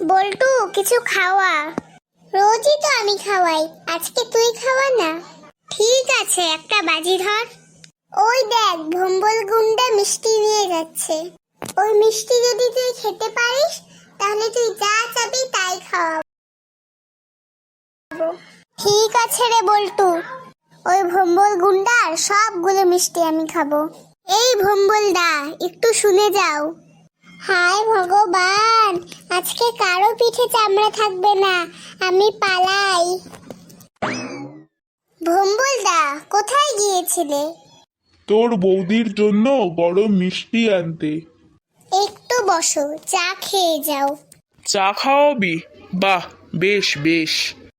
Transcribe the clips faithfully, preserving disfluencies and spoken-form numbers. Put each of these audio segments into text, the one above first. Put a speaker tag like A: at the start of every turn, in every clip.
A: বল্টু কিছু খাওয়া। রোজই তো আমি খাওয়াই, আজকে তুই খাওয়া না। ঠিক আছে, একটা বাজি ধর। ওই দেখ, ভম্বল গুন্ডা মিষ্টি নিয়ে যাচ্ছে। ওই মিষ্টি যদি তুই খেতে পারিস তাহলে তুই যা চাবি তাই খাওয়াবো। ঠিক আছে রে বল্টু, ওই ভম্বল গুন্ডার সবগুলো মিষ্টি আমি খাবো। এই ভম্বল দা, একটু শুনে যাও। হায় ভগবান, আজকে কারো পিঠে চামড়া থাকবে না, আমি পালাই। ভম্বল দা, কোথায় গিয়েছিলে?
B: তোর বৌদির জন্য গরম মিষ্টি আনতে।
A: একটু বসো, চা খেয়ে যাও।
B: চা খাওয়াবি? বাহ, বেশ বেশ।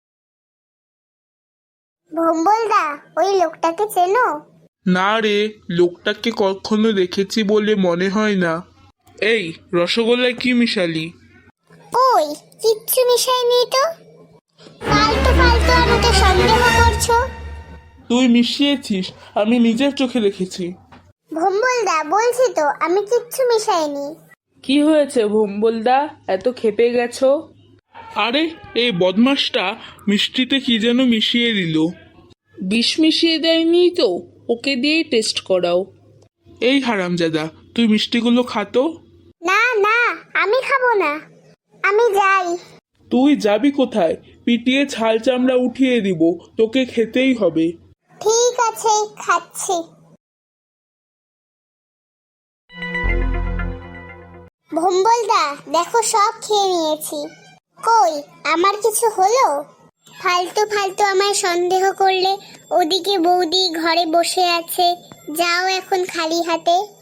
A: ভম্বল দা, ওই লোকটাকে চেনো?
B: না রে, লোকটাকে কখনো দেখেছি বলে মনে হয় না। এই রসগোল্লায় কি মিশালি?
A: ওই কিচ্ছু মিশাইনি তো। ফালতু ফালতু আমাকে সন্দেহ করছো।
B: তুই মিশিয়েছিস, আমি নিজের চোখে দেখেছি।
A: ভম্বল দা, বলছি তো আমি কিচ্ছু মিশাইনি।
C: কি হয়েছে ভম্বলদা, এত খেপে গেছো?
B: আরে এই বদমাসটা মিষ্টিতে কি যেন মিশিয়ে দিল।
C: বিষ মিশিয়ে দেয়নি তো, ওকে দিয়েই টেস্ট করাও।
B: এই হারামজাদা, তুই মিষ্টিগুলো খাতো।
A: না না, আমি খাবো না, আমি যাই।
B: তুই যাবি কোথায়? পিটিয়ে ছাল চামড়া উঠিয়ে দিব, তোকে খেতেই হবে।
A: ঠিক আছে, খাচ্ছি। ভম্বল দা, দেখো সব খেয়ে নিয়েছি। কই, আমার কিছু হলো? ফালতু ফালতু আমায় সন্দেহ করলে। ওদিকে বৌদি ঘরে বসে আছে, যাও এখন খালি হাতে।